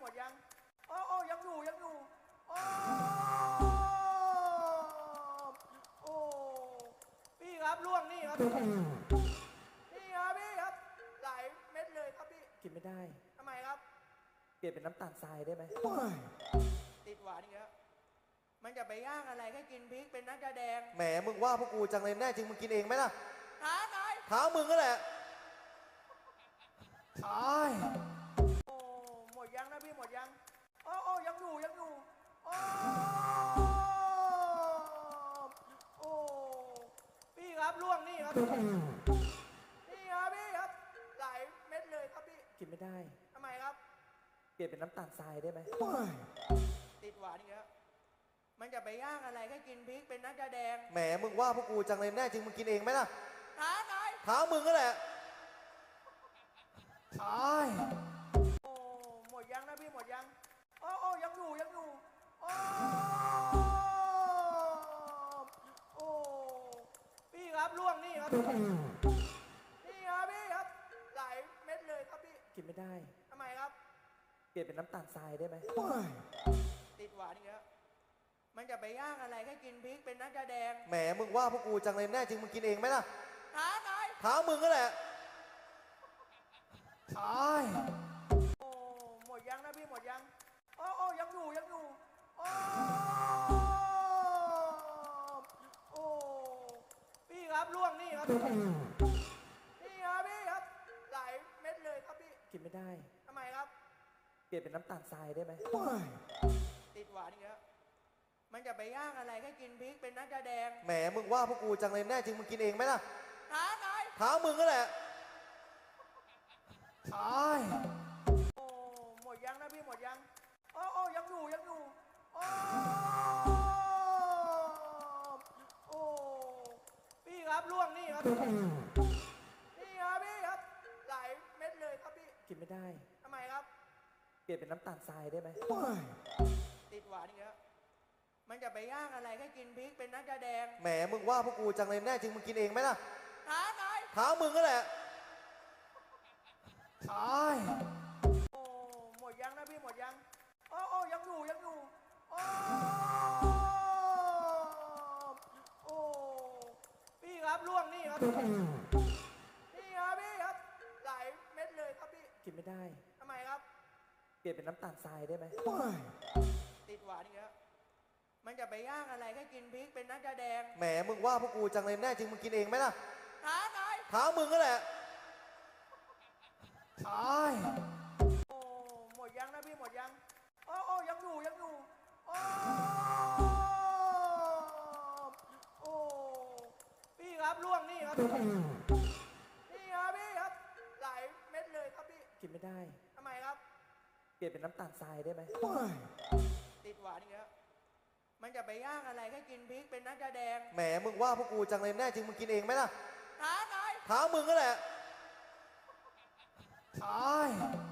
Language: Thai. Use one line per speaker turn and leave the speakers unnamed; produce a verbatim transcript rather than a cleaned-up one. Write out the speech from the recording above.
หมดยังโอ้โอ้ยังอยู่ยังอยู่โอ้โอ้พี่ครับล่วงนี่ครับนี่ครับพี่ครับหลายเม็ดเลยครับพี่
กินไม่ได้
ทำไมครับ
เปลี่ยนเป็นน้ำตาลทรายได้ไหม
ติดหวานอีกแล้วมันจะไปย่างอะไรแค่กินพริกเป็นนักแสดง
แหมมึงว่าพวกกูจังเลยแน่จริงมึงกินเองไหมล่ะ
ท้าไหน
ท้ามึงก็แหละ
ตาย
โอ้หมดยังนะพี่หมดยังโอ้โอ้ยังอยู่ยังอยู่โอ้โอ้พี่ครับล่วงนี่ครับนี่ครับพี่ครับหลายเม็ดเลยครับพี่
กินไม่ได้
ทำไมครับ
เปลี่ยนเป็นน้ำตาลทรายได้ไหม
ติดหวานอีกแล้วมันจะไปย่างอะไรแค่กินพริกเป็นนักแสดง
แหมมึงว่าพวกกูจังเลยแน่จริงมึงกินเองไหมล่ะ
ท้าไหน
ท้ามึงก็แหละ
ตาย
โอ้หมดยังนะพี่หมดยังโอ้โอ้ยังอยู่ยังอยู่โอ้โอ้พี่ครับล่วงนี่ครับนี่ครับพี่ครับหลายเม็ดเลยครับพี่
กินไม่ได้
ทำไมครับ
เปลี่ยนเป็นน้ำตาลทรายได้ไหม
ติดหวานอีกแล้วมันจะไปย่างอะไรแค่กินพริกเป็นนักแสดง
แหมมึงว่าพวกกูจังเลยแน่จริงมึงกินเองไหมล่ะ
ท้าไหน
ท้ามึงก็แหละ
ตาย
โอ้หมดยังนะพี่หมดยังโอ้โอ้ยังอยู่ยังอยู่โอ้โอ้พี่ครับล่วงนี่ครับนี่ครับพี่ครับหลายเม็ดเลยครับพี่
กินไม่ได้
ทำไมครับ
เปลี่ยนเป็นน้ำตาลทรายได้ไหม
ติดหวานอีกแล้วมันจะไปย่างอะไรแค่กินพริกเป็นนักแสดง
แหมมึงว่าพวกกูจังเลยแน่จริงมึงกินเองไหมล่ะ
ท้าไหน
ท้ามึงก็แหละ
ตาย
โอ้หมดยังนะพี่หมดยังโอ้โอ้ยังอยู่ยังอยู่โอ้โอ้พี่ครับล่วงนี่ครับนี่ครับพี่ครับหลายเม็ดเลยครับพี่
กินไม่ได้
ทำไมครับ
เปลี่ยนเป็นน้ำตาลทรายได้ไหม
ติดหวานอีกแล้วมันจะไปย่างอะไรแค่กินพริกเป็นนักแสดง
แหมมึงว่าพวกกูจังเลยแน่จริงมึงกินเองไหมล่ะ
ท้าไหน
ท้ามึงก็แหละ
ตาย
โอ้หมดยังนะพี่หมดยังโอ้โอ้ยังอยู่ยังอยู่โอ้โอ้พี่ครับล่วงนี่ครับนี่ครับพี่ครับหลายเม็ดเลยครับพี่
กินไม่ได้
ทำไมครับ
เปลี่ยนเป็นน้ำตาลทรายได้ไหม
ติดหวานอีกแล้วมันจะไปย่างอะไรแค่กินพริกเป็นนักแสดง
แหมมึงว่าพวกกูจังเลยแน่จริงมึงกินเองไหมล่ะ
ท้าไหน
ท้ามึงก็แหละ
ตาย
โอ้หมดยังนะพี่หมดยังโอ้โอ้ยังอยู่ยังอยู่โอ้โอ้พี่ครับล่วงนี่ครับนี่ครับพี่ครับหลายเม็ดเลยครับพี่
กินไม่ได้
ทำไมครับ
เปลี่ยนเป็นน้ำตาลทรายได้ไหม
ติดหวานอีกแล้วมันจะไปย่างอะไรแค่กินพริกเป็นนักแสดง
แหมมึงว่าพวกกูจังเลยแน่จริงมึงกินเองไหมล่ะ
ท้าไหน
ท้ามึงก็แหละ
ตาย